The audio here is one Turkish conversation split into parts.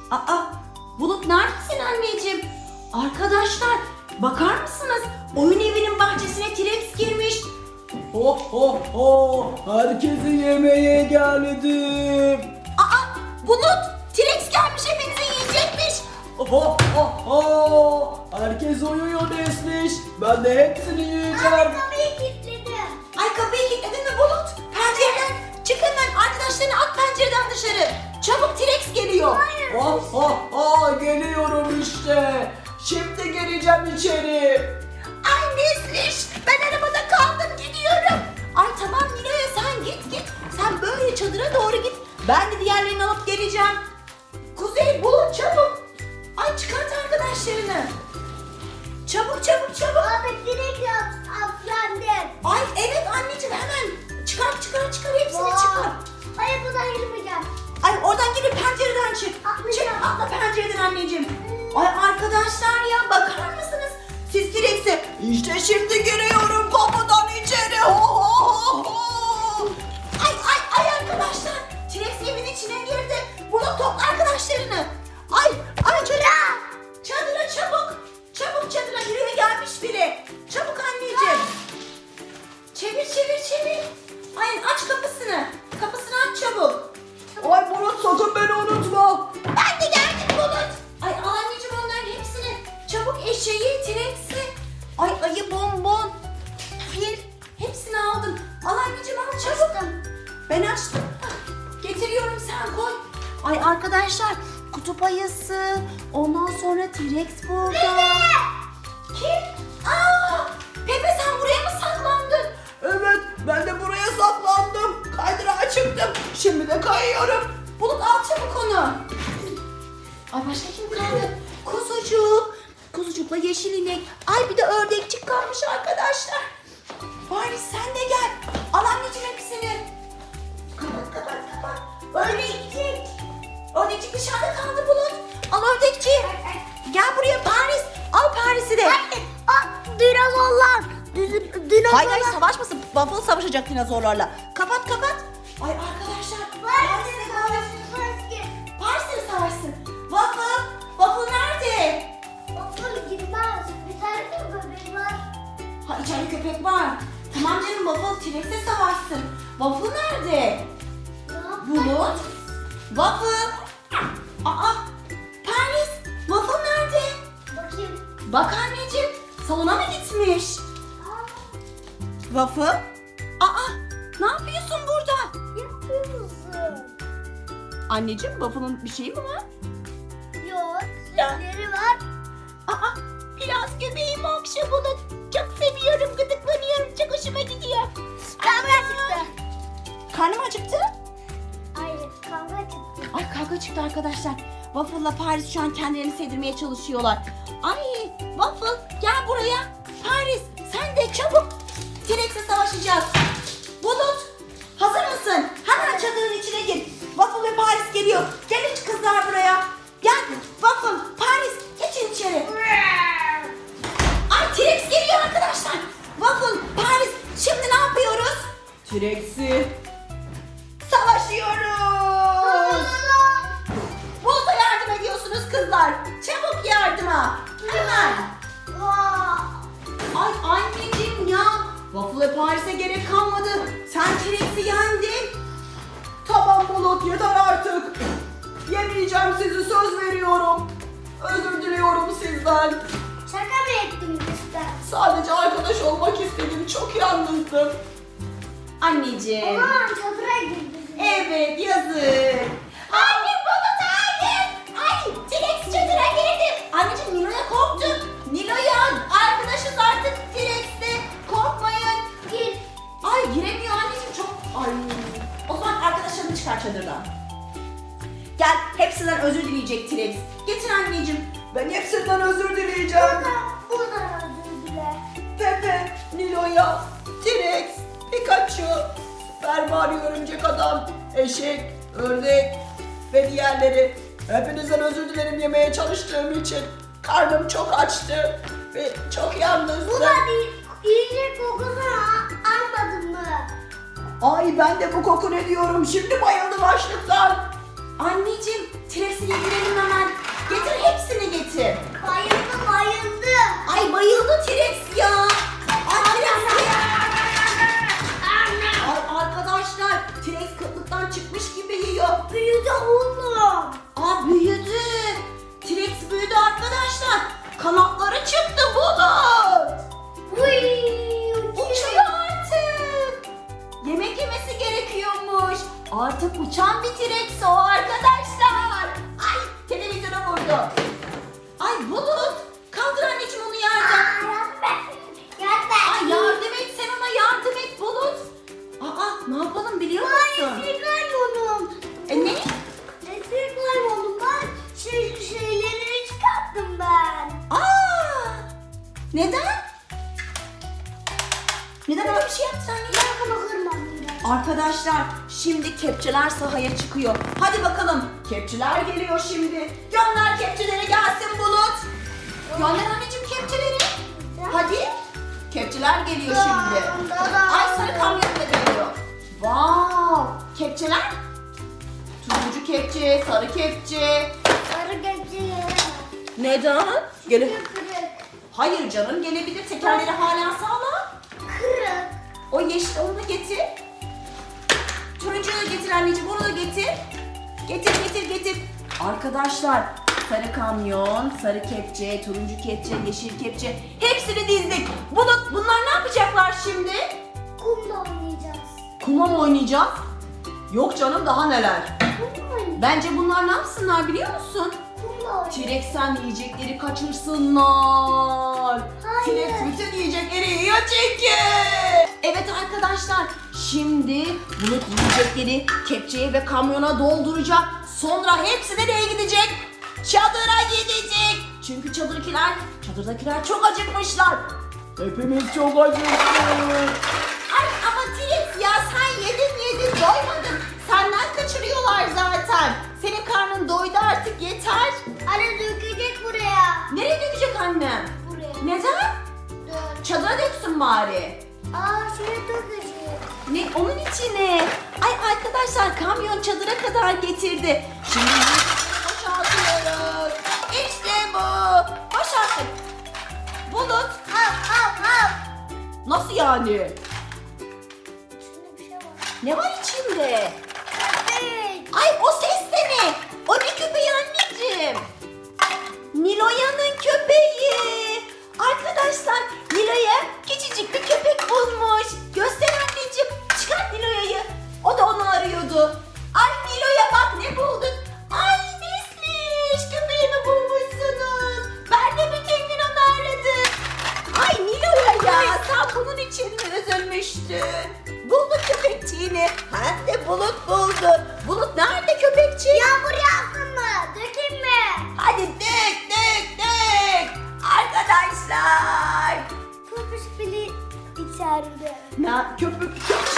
Aa, Bulut neredesin anneciğim? Arkadaşlar bakar mısınız? Oyun evinin bahçesine T-Rex girmiş. Ho ho ho! Herkese yemeğe geldim. Aa, Bulut T-Rex gelmiş, hepinizi yiyecekmiş. Ho ho ho! Herkes uyuyor Nesliş. Ben de hepsini yiyeceğim. Kapıyı kilitledim. Ay, kapıyı kilitledin mi Bulut? Pencereden çık hemen, arkadaşlarını at pencereden dışarı. Çabuk, T-Rex geliyor. Ho ho ho! Geliyorum işte. Şimdi geleceğim içeri. Ay Nesliş, ben arabada kaldım, gidiyorum. Ay tamam Nilo'ya, sen git. Sen böyle çadıra doğru git. Ben de diğerlerini alıp geleceğim. Kuzey, Bulut çabuk. Ay çıkart arkadaşlarını. Çabuk. Abi direkt atlandım. Ay evet anneciğim, hemen çıkar hepsini çıkar. Hayır buradan girmeyeceğim. Ay oradan girip pencereden çık. Atlayacağım. Çık, atla pencereden anneciğim. Ay arkadaşlar ya, bakar mısınız? Siz T-Rex'e işte şimdi giriyorum kapıdan içeri. Ho ho ho. Ay arkadaşlar, T-Rex evin içine girdi. Bulut topla arkadaşlarını. Ay çadıra çabuk çadıra, yürüye gelmiş biri. Çabuk anneciğim. Çevir. Ay aç kapısını aç çabuk. Ay Bulut, sakın beni unutma. Ben de geldim Bulut. Ay al anneciğim onların hepsini. Çabuk, eşeği, T-Rex'i. Ay ayı, bonbon, fil, hepsini aldım. Al anneciğim, al çabuk. Ben açtım. Getiriyorum, sen koy. Ay arkadaşlar, kutup ayısı, ondan sonra T-Rex burada. Kim? Aa, Pepe, sen buraya mı saklandın? Evet, ben de buraya saklandım. Kaydırağa çıktım. Şimdi de kayıyorum. Bulut al çabuk onu. Ay başka kim kaldı? Kuzucukla yeşil inek. Ay bir de ördekçik kalmış arkadaşlar. Bari sen de gel. Al anneciğim hepsini. Kapat. Ördekçik dışarıda kaldı Bulut. Al ördekçiyi. Gel buraya Paris. Al Paris'i de. Dinozorlar. Hayır savaşmasın. Waffle savaşacak dinozorlarla. Kapat. Ay arkadaşlar. Paris'le savaşsın. Waffle nerede? Okul gitmez. Bir tane de böbrek var. Ha, içeride köpek var. Tamam canım, Waffle T-Rex'le savaşsın. Waffle nerede? Bulut. Waffle. Aa, Paris. Waffle nerede? Bakayım. Bak anneciğim, salona mı gitmiş? Waffle. Aa, ne yapıyorsun burada? Yapıyor musun? Anneciğim, Waffle'ın bir şeyi mi var? Yok. Sesleri var. Aa, biraz göbeğimi okşa Bulut. Çok seviyorum, gıdıklanıyorum, çok hoşuma gidiyor. Kavga çıktı. Karnım acıktı. Hayır kavga çıktı. Ay kavga çıktı arkadaşlar. Waffle'la Paris şu an kendilerini sevdirmeye çalışıyorlar. Ay Waffle gel buraya. Paris sen de çabuk. T-Rex'le savaşacağız. Bulut hazır mısın? Hemen çadırın içine gir. Waffle ve Paris geliyor. Gelin kızlar buraya. Gel Waffle, Paris geçin içeri. Ay T-Rex geliyor arkadaşlar. Waffle, Paris şimdi ne yapıyoruz? T-Rex'i. Savaşıyoruz. Bulut'a yardım ediyorsunuz kızlar. Çabuk yardıma. Hemen. Ay anneciğim ya. Waffle ve Paris'e gerek kalmadı. Sen T-Rex'i yendin. Tamam Bulut, yeter artık. Yemeyeceğim sizi, söz veriyorum. Özür diliyorum sizden. Şaka mı ettim işte? Sadece arkadaş olmak istedim. Çok yalnızdım. Anneciğim. Aman çadıra girdi. Evet yazık. Anne Bulut hayır. Ay T-Rex çadıra girdi. Anneciğim Nilo'ya korktu. Nilo'ya arkadaşız artık T-Rex'te. Korkmayın. Gir. Ay giremiyor anneciğim, çok. Ay. O zaman arkadaşlarını çıkar çadırdan. Gel, hepsinden özür dileyecek T-Rex. Getir anneciğim. Ben hepsinden özür dileyeceğim. Buradan özür dile. Pepe, Nilo'ya, T-Rex, Pikachu, Super Mario Örümcek Adam, Eşek, Ördek ve diğerleri. Hepinizden özür dilerim yemeye çalıştığım için. Karnım çok açtı ve çok yalnızdım. Bu da değil. İyice kokusunu almadın mı? Ay ben de bu koku ne diyorum, şimdi bayıldım açlıktan. Anneciğim, T-Rex'i yedirelim hemen. oldu? Ay Bulut, kaldır anneciğim onu yerden. Ay yardım et, sen ona yardım et Bulut. Aa, ne yapalım biliyor musun? Ne? Şeyleri çıkarttım ben. Aa! Neden? Neden öyle bir şey yaptın anneciğim? Bunu kırmadım ben. Arkadaşlar şimdi kepçeler sahaya çıkıyor. Hadi bakalım. Kepçeler geliyor şimdi. Gönder kepçeleri gelsin Bulut. Gönder anneciğim kepçeleri. Hadi. Kepçeler geliyor şimdi. Ay sarı kamyon da geliyor. Wow. Kepçeler. Turuncu kepçe, sarı kepçe. Sarı kepçeyi Neden? Gele kırık. Hayır canım gelebilir. Tekerleri hala sağlam. Kırık. O yeşil onu da getir. Turuncuyu da getir anneciğim, onu da getir. Getir. Arkadaşlar sarı kamyon, sarı kepçe, turuncu kepçe, yeşil kepçe hepsini dizdik. Bunlar ne yapacaklar şimdi? Kumla oynayacağız. Kuma mı oynayacağız? Yok canım daha neler. Kumla oynayacağız. Bence bunlar ne yapsınlar biliyor musun? Kumla oynayacağız. T-Rex'ten yiyecekleri kaçırsınlar. Hayır. T-Rex bütün yiyecekleri yiyor çünkü. Evet arkadaşlar şimdi Bulut yiyecekleri kepçeye ve kamyona dolduracak. Sonra hepsi nereye gidecek? Çadıra gidecek. Çünkü çadırdakiler çok acıkmışlar. Hepimiz çok acıktık. Ay ama T-Rex ya sen yedin doymadın. Senden kaçırıyorlar zaten. Senin karnın doydu artık yeter. Anne dökecek buraya. Nereye dökecek annem? Buraya. Neden? Dök. Çadıra döksün bari. Şuraya dökecek. Ne onun içine? Ay arkadaşlar kamyon çadıra kadar getirdi. Şimdi boşaltıyoruz. İşte bu. Boşalttık. Bulut. Al. Nasıl yani? İçinde bir şey var. Ne var içinde? Köpek. Ay o ses de ne? O ne köpeği anneciğim? Niloya'nın köpeği. Arkadaşlar Niloya küçücük bir köpek bulmuş. Göster anneciğim. Çıkart Niloya'yı. O da onu arıyordu. Ay Niloya bak ne bulduk. Ay Nesliş köpeğimi bulmuşsunuz. Ben de bütün gün onu aradım. Ay Niloya ya sen bunun için mi üzülmüştün? Bulduk köpekçiğini. Hem de Bulut buldu. Bulut nerede köpekçi? Yağmur yağsın mı? Dökeyim mi? Hadi dök. Arkadaşlar. Köpüş bile içeride. Köpüş.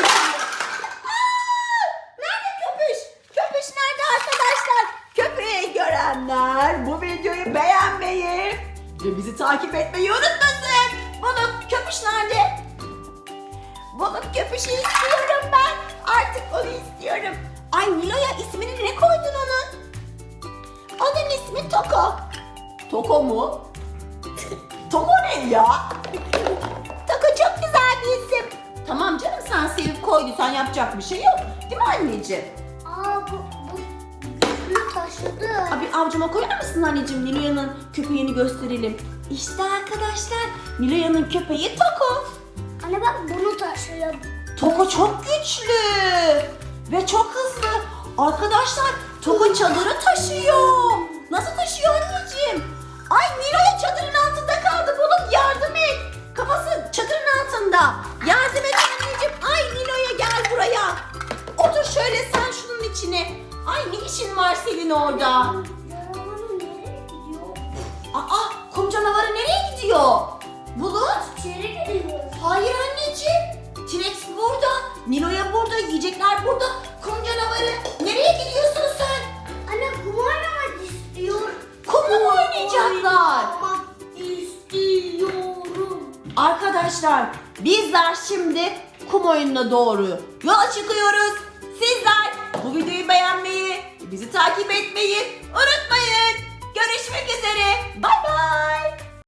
Nerede köpüş? Köpüş nerede arkadaşlar? Köpeği görenler bu videoyu beğenmeyi ve bizi takip etmeyi unutmasın. Bulut köpüş nerede? Bulut köpüşü istiyorum ben. Artık onu istiyorum. Ay Nilo'ya ismini ne koydun onun? Onun ismi Toko. Toko mu? Toko ne ya? Toko çok güzel bir isim. Tamam canım sen sevip koyduysan yapacak bir şey yok. Değil mi anneciğim? Bu taşıdı. Abi avcuma koyar mısın anneciğim? Nilo'yanın köpeğini gösterelim. İşte arkadaşlar Nilo'yanın köpeği Toko. Anne bak bunu taşıyor. Toko çok güçlü ve çok hızlı. Arkadaşlar Toko çadırı taşıyor. Nasıl taşıyor anneciğim? Ay Nilo'ya çadırın altında kaldı. Bulut yardım et. Kafası çadırın altında. Yardım et anneciğim. Ay Nilo'ya gel buraya. Otur şöyle sen şunun içine. Ay ne işin var senin orada? Canavarın nereye gidiyor? Aa kum canavarı nereye gidiyor? Bulut? İçeri gidiyor. Hayır anneciğim. T-Rex burada. Nilo'ya burada. Yiyecekler burada. Kum canavarı. Nereye gidiyorsun sen? Anne kum oynamak istiyor. Kumla mı oynayacaklar? Oynamak istiyorum. Arkadaşlar bizler şimdi kum oyununa doğru yola çıkıyoruz. Sizler bu videoyu beğenmeyi, bizi takip etmeyi unutmayın.